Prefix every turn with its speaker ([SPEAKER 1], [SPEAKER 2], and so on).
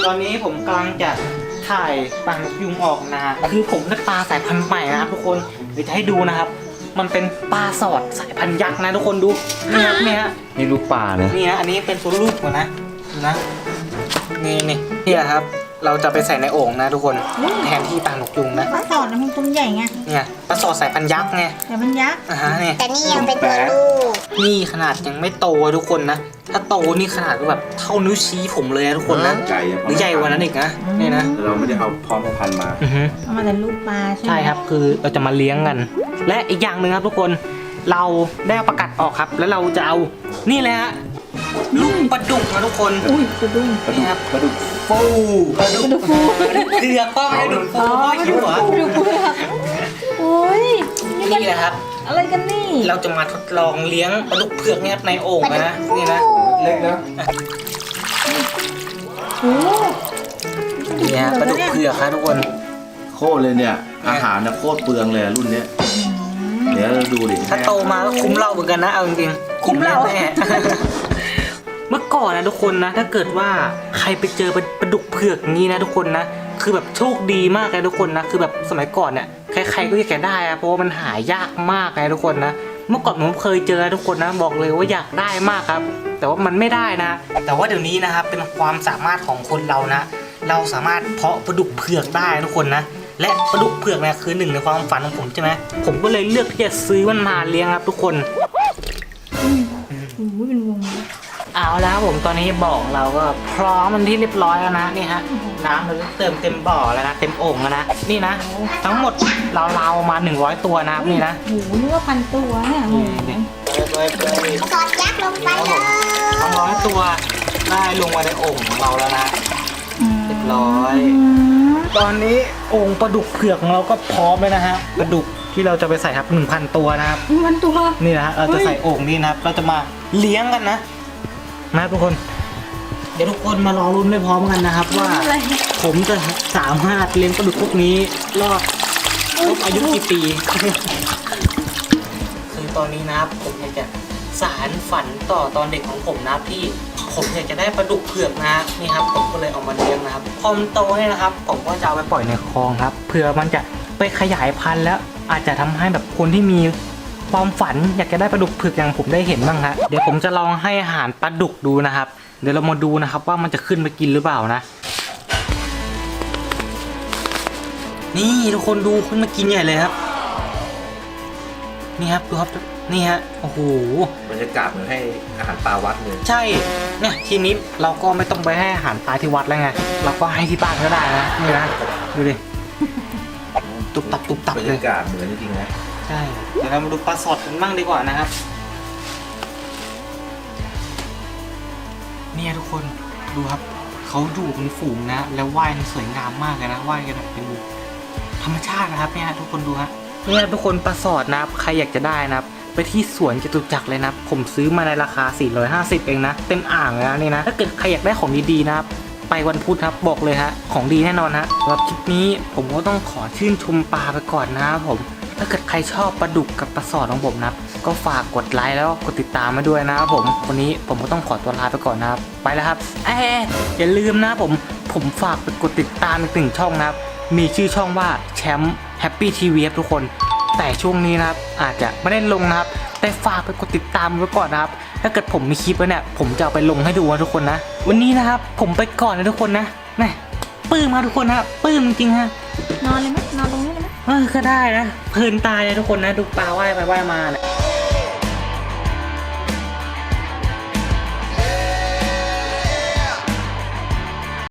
[SPEAKER 1] ตอนนี้ผมกำลังจะถ่ายปลานกยุงออกนะคือผมได้ปลาสายพันธุ์ใหม่นะครับทุกคนเดี๋ยวจะให้ดูนะครับมันเป็นปลาสอดสายพันธุ์ยักษ์นะทุกคนดูนี่ครับนี่ฮะ
[SPEAKER 2] นี่ลูกปลาเนี่ย
[SPEAKER 1] นี่นะอันนี้เป็นตัวลูกก่อนนะดูนะนี่ครับเราจะไปใส่ในโอ่งนะทุกคนแทนที่ปลานกยุงนะ
[SPEAKER 3] ปลาสอดนะมันตัวใหญ่ไง
[SPEAKER 1] เนี่ยปลาสอดสายพันธุ์ยักษ์ไง
[SPEAKER 3] แต่มันยักษ์
[SPEAKER 1] เนี่ย
[SPEAKER 4] แต่นี่ยังเป็นตัวลูก
[SPEAKER 1] นี่ขนาดยังไม่โตทุกคนนะถ้าโตนี่ขนาดก็แบบเท่านิ้วชี้ผมเลยนะทุกคนนะ
[SPEAKER 2] ไก่
[SPEAKER 1] หรือใหญ่กว่านั้นอีกนะนี่นะ
[SPEAKER 2] เราไม่ได้เอาพร้อมพันธุ์มา
[SPEAKER 3] เอามาแต่ลูกปลาใช่ไหม
[SPEAKER 1] ใช่ครับคือเราจะมาเลี้ยงกัน และอีกอย่างหนึ่งครับทุกคนเราได้เอาประกัดออกครับ แล้วเราจะเอานี่เลยฮะลูกปลาดุกนะทุกคน
[SPEAKER 3] อุ้ยกระดุม
[SPEAKER 1] นี่ครับ
[SPEAKER 2] ปลาดุก
[SPEAKER 1] ปูปลาดุกเกลือป้าปลาดุกปูป้าหิวเหรอ
[SPEAKER 3] กระดุมเปลือกโอ้ยนี่มัน
[SPEAKER 1] นี่แหละครับ
[SPEAKER 3] อะไรกันนี่
[SPEAKER 1] เราจะมาทดลองเลี้ยงปลาดุกเผือกเนี่ยครับในโอ่งนะนี่นะ
[SPEAKER 2] เล็กนะ
[SPEAKER 3] โอ้
[SPEAKER 1] นี่ฮะปลาดุกเผือกครับทุกคน
[SPEAKER 2] โคตรเลยเนี่ย อาหารเนี่ยโคตรเปลืองเลยรุ่นเนี้ยเดี๋ยวเราดูดิ
[SPEAKER 1] ถ้าโตมาก็คุ้มเหล้าเหมือนกันนะเอาจริงๆคุ้มเหล้าแน่ เมื่อก่อนนะทุกคนนะถ้าเกิดว่าใครไปเจอปลาดุกเผือกนี้นะทุกคนนะคือแบบโชคดีมากเลยทุกคนนะคือแบบสมัยก่อนเนี่ยใครๆก็อยากจะได้อะเพราะว่ามันหายากมากเลยทุกคนนะเมื่อก่อนผมเคยเจอทุกคนนะบอกเลยว่าอยากได้มากครับ แต่ว่ามันไม่ได้นะ แต่ว่าเดี๋ยวนี้นะครับเป็นความสามารถของคนเรานะ เราสามารถเพาะปลาดุกเผือกได้ทุกคนนะและปลาดุกเผือกเนี่ยคือหนึ่งในความฝันของผมใช่ไหมผมก็เลยเลือกที่จะซื้อมันมาเลี้ยงครับทุกคน
[SPEAKER 3] โหเป็นวงเลย
[SPEAKER 1] เอาแล้วผมตอนนี้บ่อเราก็พร้อมมันที่เรียบร้อยแล้วนะนี่ฮะน้ำเราเติมเต็มบ่อแล้วนะเต็มโอ่งแล้วนะนี่นะทั้งหมดเรามา100ตัวนะครับนี่นะ
[SPEAKER 3] โอ้โหนึกว่า1,000ตัวเนี่ยโอ้โห
[SPEAKER 4] สอดยักษ์ลงไปเลย
[SPEAKER 1] ทั้ง100ตัวได้ลงมาในโอ่งของเราแล้วนะเรียบร้อย ตอนนี้โอ่งปลาดุกเผือกของเราก็พร้อมเลยนะฮะปลาดุกที่เราจะไปใส่ครับ 1,000 ตัวนะครับ
[SPEAKER 3] 1,000ตัว
[SPEAKER 1] นี่นะฮะเราจะใส่โอ่งนี้นะครับเราจะมาเลี้ยงกันนะทุกคน เดี๋ยวทุกคนมารอรุ้นไปพร้อมกันนะครับว่า
[SPEAKER 3] อะไร
[SPEAKER 1] ผมจะสามารถเลี้ยงปลาดุกพวกนี้รอดครบอายุกี่ปี คือตอนนี้นะครับผมอยากจะสานฝันต่อตอนเด็กของผมนะครับที่ผมอยากจะได้ปลาดุกเผือกนะครับนี่ครับผมก็เลยเอามาเลี้ยงนะครับพอมันโตเนี่ยนะครับผมก็จะเอาไปปล่อยในคลองครับเผื่อมันจะไปขยายพันธุ์แล้วอาจจะทำให้แบบคนที่มีความฝันอยากจะได้ปลาดุกเผือกอย่างผมได้เห็นบ้างฮะเดี๋ยวผมจะลองให้อาหารปลาดุกดูนะครับเดี๋ยวเรามาดูนะครับว่ามันจะขึ้นไปกินหรือเปล่านะนี่ทุกคนดูขึ้นมากินใหญ่เลยครับนี่ครับดูครับนี่ฮะโอ้โห
[SPEAKER 2] บรรยากาศเหมือนให้อาหารปลาวัดเลย
[SPEAKER 1] ใช่เนี่ยทีนี้เราก็ไม่ต้องไปให้อาหารปลาที่วัดแล้วไงเราก็ให้ที่บ้านก็ได้นะนี่นะดูดิตุบตับตุบตับบ
[SPEAKER 2] รร
[SPEAKER 1] เลย
[SPEAKER 2] ยากาศเหมือนจริงๆนะ
[SPEAKER 1] ใช่เดี๋ยวเรามาดูปลาสดกันบ้างดีกว่านะครับเนี่ยทุกคนดูครับเขาอยู่เป็นฝูงนะแล้วว่ายสวยงามมากเลยนะว่ายกันแบบเป็นธรรมชาตินะครับเนี่ยทุกคนดูฮะเนี่ยทุกคนปลาสอดนะครับใครอยากจะได้นะครับไปที่สวนจตุจักรเลยนะผมซื้อมาในราคา450เองนะเต็มอ่างเลยนะนี่นะถ้าเกิดใครอยากได้ของดีๆนะครับไปวันพุธครับบอกเลยฮะของดีแน่นอนฮะสำหรับคลิปนี้ผมก็ต้องขอชื่นชมปลาไปก่อนนะครับผมถ้าเกิดใครชอบปลาดุกกับปลาสอดของผมนะก็ฝากกดไลค์แล้วกดติดตามมาด้วยนะครับผมวันนี้ผมก็ต้องขอตัวลาไปก่อนนะครับไปแล้วครับอย่าลืมนะผมฝากไปกดติดตามอีกหนึ่งช่องนะครับมีชื่อช่องว่าแชมป์แฮปปี้ทีวีทุกคนแต่ช่วงนี้นะครับอาจจะไม่ได้ลงนะครับแต่ฝากไปกดติดตามไว้ก่อนนะครับถ้าเกิดผมมีคลิปแล้วเนี่ยผมจะเอาไปลงให้ดูนะทุกคนนะวันนี้นะครับผมไปก่อนนะทุกคนนะนี่ปลื้มมาทุกคนนะปลื้มจริงๆฮะ
[SPEAKER 3] นอนเลยไหมนอนตรงนี้เลยไหม
[SPEAKER 1] ก็ได้นะเพลินตายเลยทุกคนนะดูปลาว่ายไปว่ายมาเนี่ย